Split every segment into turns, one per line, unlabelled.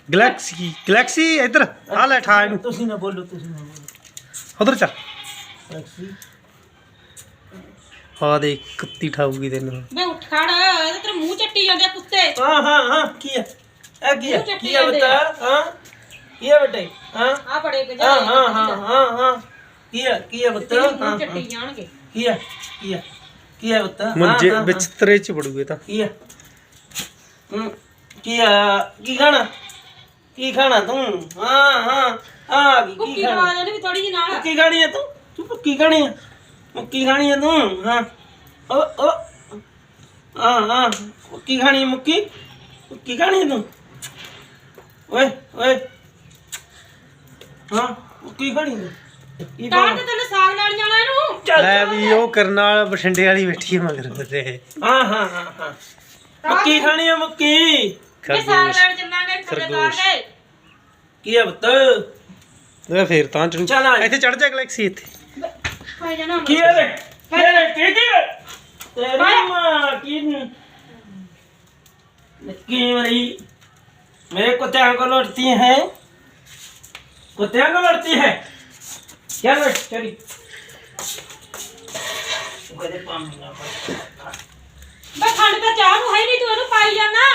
Galaxy galaxy ਇੱਧਰ ਆ ਲੈ ਠਾ ਇਹਨੂੰ
ਤੁਸੀਂ ਨਾ ਬੋਲੋ
ਉਧਰ ਚੱਲ
ਗਲੈਕਸੀ
ਆ ਦੇ ਕੁੱਤੀ ਠਾਊਗੀ ਤੈਨੂੰ
ਮੈਂ ਉੱਠ ਖੜ ਇਹਦੇ ਤੇਰੇ ਮੂੰਹ ਚੱਟੀ ਜਾਂਦੇ ਆ ਕੁੱਤੇ
ਹਾਂ ਕੀ ਹੈ ਇਹ ਕੀ ਹੈ ਕੀ ਹੈ ਬਤਾ ਹਾਂ ਕੀ ਹੈ ਬੇਟੇ ਹਾਂ
ਆ ਬੜੇ ਗਜਾ
ਹਾਂ ਕੀ ਹੈ ਬਤਾ
ਮੂੰਹ ਚੱਟੀ ਜਾਣਗੇ
ਕੀ ਹੈ ਬਤਾ
ਮੁੰਜੇ ਵਿੱਚ ਤਰੇ ਚ ਵੜੂਗੇ ਤਾਂ
ਕੀ ਹੈ ਕੀ ਖਾਣਾ ਤੂੰ ਹਾਂ
ਕੁੱਕੀ ਲਵਾ ਦੇ ਵੀ ਥੋੜੀ ਜਿਹੀ ਨਾਲ
ਕੀ ਖਾਣੀ ਹੈ ਤੂੰ ਕੀ ਖਾਣੀ ਹੈ ਮੁੱਕੀ ਖਾਣੀ ਹੈ ਤੂੰ ਹਾਂ ਓ ਹਾਂ ਮੁੱਕੀ ਖਾਣੀ ਹੈ ਮੁੱਕੀ ਖਾਣੀ ਹੈ ਤੂੰ ਓਏ ਹਾਂ ਮੁੱਕੀ ਖਾਣੀ ਹੈ
ਤਾਂ ਤੇ ਤੈਨੂੰ ਸਾਗ ਲੈਣ ਜਾਣਾ ਇਹਨੂੰ
ਲੈ ਵੀ ਉਹ ਕਰਨ ਵਾਲਾ ਬਠਿੰਡੇ ਵਾਲੀ ਬੈਠੀ ਮਗਰ ਤੇ
ਹਾਂ ਮੁੱਕੀ ਖਾਣੀ ਹੈ ਮੁੱਕੀ
ਇਹ ਸਾਗ ਲੈਣ ਚੱਲਾਂਗੇ ਖਰੇਦਾਰ ਦੇ
ਕੀ ਹੈ ਬਤ
ਇਹ ਫੇਰ ਤਾਂ ਚੜੂ
ਚੱਲ ਆ।
ਇੱਥੇ ਚੜ ਜਾ ਗਲੈਕਸੀ ਇੱਥੇ
ਖਾਈ ਜਾਣਾ
ਕੀ ਹੈ ਰੇ ਕੀ ਤੇਰੀ ਮਾਂ की मरी मेरे कुत्ते को लड़ती है कुत्ते को लड़ती है क्या लड़ चली
ਬਈ ਖੰਡ ਤਾਂ ਚਾਹ ਨੂੰ ਹੈ ਨਹੀਂ ਤੂੰ ਇਹਨੂੰ ਪਾਈ ਜਾਣਾ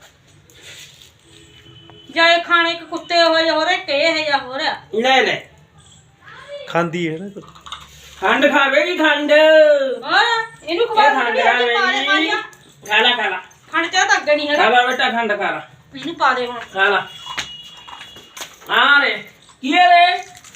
ਜਾਏ ਖਾਣੇ ਇੱਕ ਕੁੱਤੇ ਹੋਏ ਹੋ ਰਹੇ ਕੇ ਹੈ ਜਾਂ ਹੋ ਰਿਹਾ
ले
ਖਾਂਦੀ ਹੈ ਨਾ
खंड खावेगी खंड
ਹੋਰ ਇਹਨੂੰ ਖਵਾ
खंड
ਦੇ
खावेगी खाला
ਖੰਡ ਚਾਹ ਤਾਂ ਅੱਗੇ ਨਹੀਂ ਹੈਗਾ
खाला बेटा खंड खाला
ਇਹਨੂੰ ਪਾ ਦੇ ਹੁਣ
खाला हाँ रे की है रे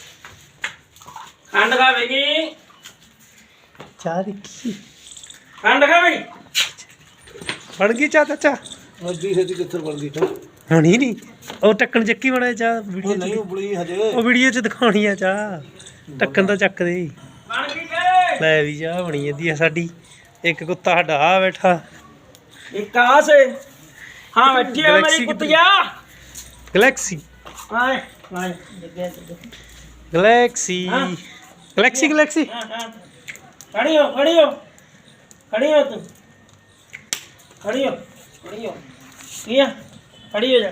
खंड खावेगी
ਚਾਹ ਦੇਖੀ
खंड खावेगी
ਬਣ ਗਈ ਚਾਹ ਚਾਚਾ
ਅੱਧੀ ਸੱਚੀ ਕਿੱਥੇ ਬਣ ਗਈ ਤਾਂ
ਹੁਣ ਹੀ ਨਹੀਂ ਉਹ ਟੱਕਣ ਚੱਕੀ ਬਣਾ ਚਾਹ ਵੀਡੀਓ
ਨਹੀਂ
ਚ
ਉਬਲੀ ਹਜੇ
ਉਹ ਵੀਡੀਓ ਚ ਦਿਖਾਉਣੀ ਆ ਚਾਹ ਟੱਕਣ ਤਾਂ ਚੱਕ ਦੇ
बन गई के
ਲੈ ਵੀ ਚਾਹ ਬਣੀ ਜਾਂਦੀ ਆ ਸਾਡੀ ਇੱਕ ਕੁੱਤਾ ਸਾਡਾ ਆ ਬੈਠਾ
एक कहाँ से हाँ बैठी है
गैलेक्सी
मेरी
की
कुतिया
ਗਲੈਕਸੀ
आए आए
ਗਲੈਕਸੀ
हाँ।
ਗਲੈਕਸੀ ਗਲੈਕਸੀ
हाँ, हाँ। खड़ी हो तुम खड़ी हो किया खड़ी हो जा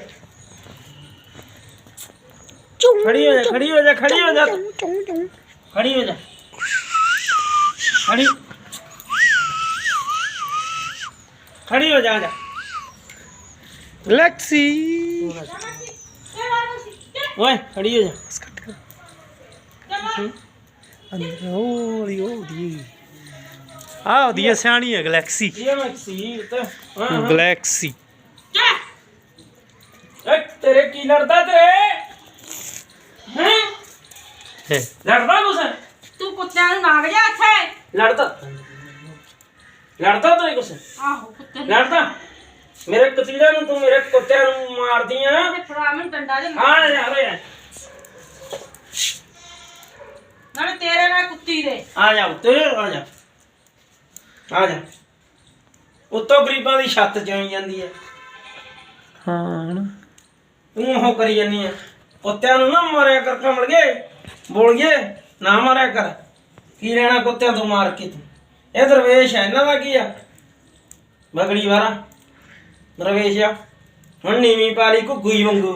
खड़ी हो जा खड़ी हो जा खड़ी हो जा खड़ी हो जा खड़ी हो जा
ਗਲੈਕਸੀ
ओए खड़ी हो जा
ਅੰਦਰ ਉਹ ਦੀ ਆ ਉਹਦੀ ਆ ਸਿਆਣੀ ਹੈ ਗਲੈਕਸੀ
ये मैं सील तो हाँ
ਗਲੈਕਸੀ
तेरे की लड़ता तेरे हैं
ਹੈ
लड़ता कुछ
ਤੂੰ ਕੁੱਤਿਆਂ ਨੂੰ ਨਾਗ ਜਾ ਇੱਥੇ
लड़ता तो कुछ
ਆਹੋ ਕੁੱਤੇ ਨੂੰ
लड़ता मेरे कतीरा ਨੂੰ ਤੂੰ ਮੇਰੇ ਕੁੱਤਿਆਂ ਨੂੰ ਮਾਰਦੀ ਆ
ਤੇ ਫੜਾ ਮੈਂ ਡੰਡਾ ਦੇ
ਹਾਂ ਯਾਰ
ਨਾਲੇ ਤੇਰੇ ਨਾਲ ਕੁੱਤੀ ਦੇ
ਆ ਜਾ ਉੱਤੇ ਆ ਜਾ ਉੱਤੋਂ ਗਰੀਬਾਂ ਦੀ ਛੱਤ ਚੋਈ ਜਾਂਦੀ ਹੈ
ਹਾਂ ਨਾ
ਤੂੰ ਉਹ ਕਰੀ ਜਾਂਦੀ ਆ ਕੁੱਤਿਆਂ ਨੂੰ ਨਾ ਮਾਰਿਆ ਕਰ ਕਮਲ ਗਏ ਬੋਲ ਗਏ ਨਾ ਮਾਰਿਆ ਕਰ ਕੀ ਲੈਣਾ ਕੁੱਤਿਆਂ ਤੋਂ ਮਾਰ ਕੇ ਤੂੰ ਇਹ ਦਰਵੇਸ਼ ਹੈ ਇਹਨਾਂ ਦਾ ਕੀ ਆ ਬਗੜੀ ਵਾਰਾ ਦਰਵੇਸ਼ ਆ ਹੁਣ ਨੀਵੀਂ ਪਾਲੀ ਘੁੱਗੂ ਵਾਂਗੂ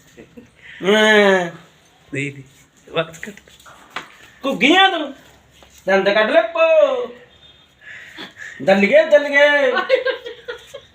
ਦੇ ਦੇ ਵਕਤ ਕੱਟ
ਘੁੱਗੀਆਂ ਤੂੰ ਦੰਦ ਕੱਢ ਲੈ ਪੋ ਦਲ ਗਏ